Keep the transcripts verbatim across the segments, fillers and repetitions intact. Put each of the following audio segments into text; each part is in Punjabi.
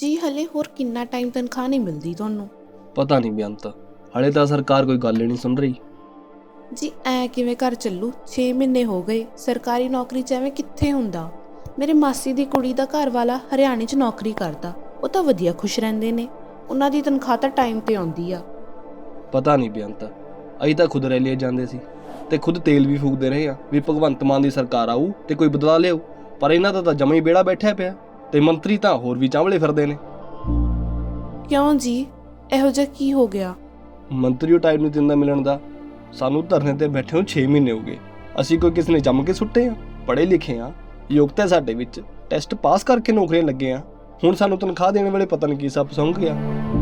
ਜੀ ਹਲੇ ਹੋਰ ਕਿੰਨਾ ਟਾਈਮ ਤਨਖਾਹ ਨਹੀਂ ਮਿਲਦੀ ਤੁਹਾਨੂੰ? ਪਤਾ ਨਹੀਂ ਬੇਅੰਤ, ਹਲੇ ਤਾਂ ਸਰਕਾਰ ਕੋਈ ਗੱਲ ਹੀ ਨਹੀਂ ਸੁਣ ਰਹੀ। ਜੀ ਐ ਕਿਵੇਂ ਘਰ ਚੱਲੂ? ਛੇ ਮਹੀਨੇ ਹੋ ਗਏ, ਸਰਕਾਰੀ ਨੌਕਰੀ 'ਚ ਐਵੇਂ ਕਿੱਥੇ ਹੁੰਦਾ। ਮੇਰੇ ਮਾਸੀ ਦੀ ਕੁੜੀ ਦਾ ਘਰ ਵਾਲਾ ਹਰਿਆਣੇ 'ਚ ਨੌਕਰੀ ਕਰਦਾ, ਉਹ ਤਾਂ ਵਧੀਆ ਖੁਸ਼ ਰਹਿੰਦੇ ਨੇ। ਉਹਨਾਂ ਦੀ ਤਨਖਾਹ ਤਾਂ ਟਾਈਮ 'ਤੇ ਆਉਂਦੀ ਆ। ਪਤਾ ਨਹੀਂ ਬੇਅੰਤ, ਅਸੀਂ ਤਾਂ ਖੁਦ ਰੈਲੀਆਂ ਜਾਂਦੇ ਸੀ ਤੇ ਖੁਦ ਤੇਲ ਵੀ ਫੂਕਦੇ ਰਹੇ ਆ ਵੀ ਭਗਵੰਤ ਮਾਨ ਦੀ ਸਰਕਾਰ ਆਊ ਤੇ ਕੋਈ ਬਦਲਾ ਲਿਆਊ, ਪਰ ਇਹਨਾਂ ਦਾ ਤਾਂ ਜਮਾ ਹੀ ਬੇੜਾ ਬੈਠਿਆ ਪਿਆ ਤੇ ਮੰਤਰੀ ਤਾਂ ਹੋਰ ਵੀ ਚਾਂਵਲੇ ਫਿਰਦੇ ਨੇ। ਕਿਉਂ ਜੀ, ਇਹੋ ਜਿਹਾ ਕੀ ਹੋ ਗਿਆ? ਮੰਤਰੀ ਉਹ ਟਾਈਮ ਨਹੀਂ ਦਿੰਦਾ ਮਿਲਣ ਦਾ। ਸਾਨੂੰ ਧਰਨੇ ਤੇ ਬੈਠੇ ਨੂੰ ਛੇ ਮਹੀਨੇ ਹੋ ਗਏ। ਅਸੀਂ ਕੋਈ ਕਿਸੇ ਨੇ ਜੰਮ ਕੇ ਸੁੱਟੇ ਆ? ਪੜ੍ਹੇ ਲਿਖੇ ਆ, ਯੋਗਤਾ ਸਾਡੇ ਵਿੱਚ, ਟੈਸਟ ਪਾਸ ਕਰਕੇ ਨੌਕਰੀਆਂ ਲੱਗੇ ਆ। ਹੁਣ ਸਾਨੂੰ ਤਨਖਾਹ ਦੇਣ ਵੇਲੇ ਪਤਾ ਨਹੀਂ ਕੀ ਸੱਪ ਸੁੰਘ ਗਿਆ।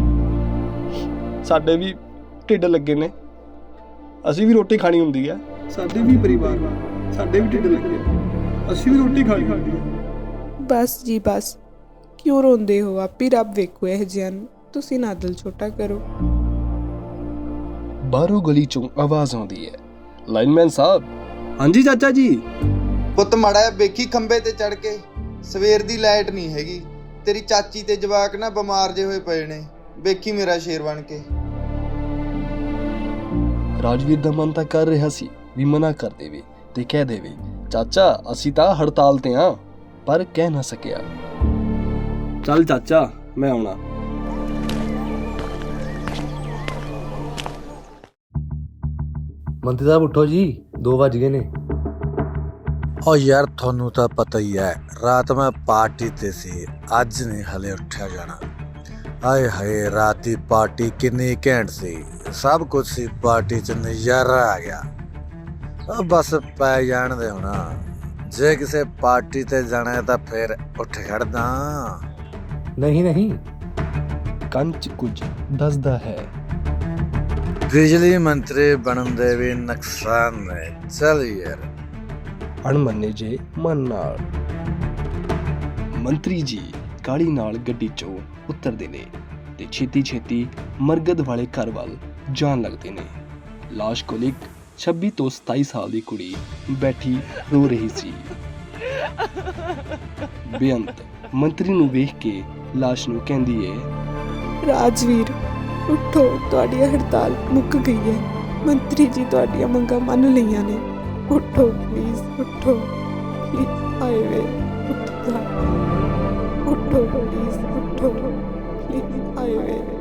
ਸਾਡੇ ਵੀ ਢਿੱਡ ਲੱਗੇ ਨੇ, ਅਸੀਂ ਵੀ ਰੋਟੀ ਖਾਣੀ ਹੁੰਦੀ ਆ। ਸਾਡੇ ਵੀ ਪਰਿਵਾਰ ਵਾ, ਸਾਡੇ ਵੀ ਢਿੱਡ ਲੱਗੇ, ਅਸੀਂ ਵੀ ਰੋਟੀ ਖਾਣੀ ਹੁੰਦੀ ਆ। ਬਸ ਜੀ ਬਸ, ਕਿਉਂ ਰੋਂਦੇ ਹੋ? ਆਪੀ ਰੱਬ ਵੇਖੋ ਇਹ ਜਿਹਾ ਨੂੰ, ਤੁਸੀਂ ਨਾ ਦਿਲ ਛੋਟਾ ਕਰੋ। ਬਾਹਰੋਂ ਗਲੀ ਚੋਂ ਆਵਾਜ਼ ਆਉਂਦੀ ਹੈ, ਲਾਈਨਮੈਨ ਸਾਹਿਬ। ਹਾਂਜੀ ਚਾਚਾ ਜੀ। ਪੁੱਤ ਮਾੜਾ ਵੇਖੀ ਖੰਬੇ ਤੇ ਚੜ ਕੇ, ਸਵੇਰ ਦੀ ਲਾਈਟ ਨਹੀਂ ਹੈਗੀ। ਤੇਰੀ ਚਾਚੀ ਤੇ ਜਵਾਕ ਨਾ ਬਿਮਾਰ ਜੇ ਹੋਏ ਪਏ ਨੇ, ਵੇਖੀ ਮੇਰਾ ਸ਼ੇਰ ਬਣ ਕੇ। ਰਾਜਵੀਰ ਦਾ ਮਨ ਤਾਂ ਕਰ ਰਿਹਾ ਸੀ ਵੀ ਮਨਾ ਕਰ ਦੇਵੇ ਤੇ ਕਹਿ ਦੇਵੇ, ਚਾਚਾ ਅਸੀਂ ਤਾਂ ਹੜਤਾਲ ਤੇ ਆ, ਪਰ ਕਹਿ ਨਾ ਸਕਿਆ। ਚੱਲ ਚਾਚਾ, ਮੈਂ ਆਉਣਾ। ਮੰਤਰੀ ਸਾਹਿਬ ਉੱਠੋ ਜੀ, ਦੋ ਵੱਜ ਗਏ ਨੇ। ਓ ਯਾਰ ਤੁਹਾਨੂੰ ਤਾਂ ਪਤਾ ਹੀ ਹੈ, ਰਾਤ ਮੈਂ ਪਾਰਟੀ ਤੇ ਸੀ, ਅੱਜ ਨਹੀਂ ਹਲੇ ਉੱਠਿਆ ਜਾਣਾ। ਆਏ ਹਾਏ, ਰਾਤ ਦੀ ਪਾਰਟੀ ਕਿੰਨੀ ਘੈਂਟ ਸੀ, ਸਭ ਕੁਝ ਸੀ ਪਾਰਟੀ 'ਚ, ਨਜ਼ਾਰਾ ਆ ਗਿਆ। ਉਹ ਬਸ ਪੈ ਜਾਣ ਦੇ ਹੋਣਾ, ਜੇ ਕਿਸੇ ਪਾਰਟੀ ਤੇ ਜਾਣਾ ਹੈ ਤਾਂ ਫਿਰ ਉੱਠ ਖੜਦਾ। ਨਹੀਂ ਨਹੀਂ, ਕੰਚ ਕੁਝ ਦੱਸਦਾ ਹੈ। ਬਿਜਲੀ ਮੰਤਰੀ ਬਣਨ ਦੇ ਵੀ ਨੁਕਸਾਨ ਨੇ, ਚੱਲ ਯਾਰ। ਅਣਮੰਨੇ ਜੇ ਮਨ ਨਾਲ ਮੰਤਰੀ ਜੀ ਗਾੜੀ ਨਾਲ ਗੱਡੀ ਚੋਂ ਉਤਰਦੇ ਨੇ ਤੇ ਛੇਤੀ ਛੇਤੀ ਮਰਗਦ ਵਾਲੇ ਘਰ ਵੱਲ ਜਾਣ ਲੱਗਦੇ ਨੇ। ਲਾਸ਼ ਕੋਲ ਇੱਕ ਛੱਬੀ ਤੋਂ ਸਤਾਈ ਸਾਲ ਦੀ ਕੁੜੀ ਬੈਠੀ ਰੋ ਰਹੀ ਸੀ। ਬੇਅੰਤ ਮੰਤਰੀ ਨੂੰ ਵੇਖ ਕੇ ਲਾਸ਼ ਨੂੰ ਕਹਿੰਦੀ ਏ, ਰਾਜਵੀਰ ਉੱਠੋ, ਤੁਹਾਡੀ ਹੜਤਾਲ ਮੁੱਕ ਗਈ ਹੈ। ਮੰਤਰੀ ਜੀ ਤੁਹਾਡੀਆਂ ਮੰਗਾਂ ਮੰਨ ਲਈਆਂ ਨੇ, ਉੱਠੋ ਪਲੀਜ਼, ਉੱਠੋ ਪਲੀਜ਼। ਆਏ ਵੇ ਉੱਠੋ, ਉੱਠੋ ਪਲੀਜ਼, ਉੱਠੋ ਪਲੀਜ਼, ਆਏ ਵੇ।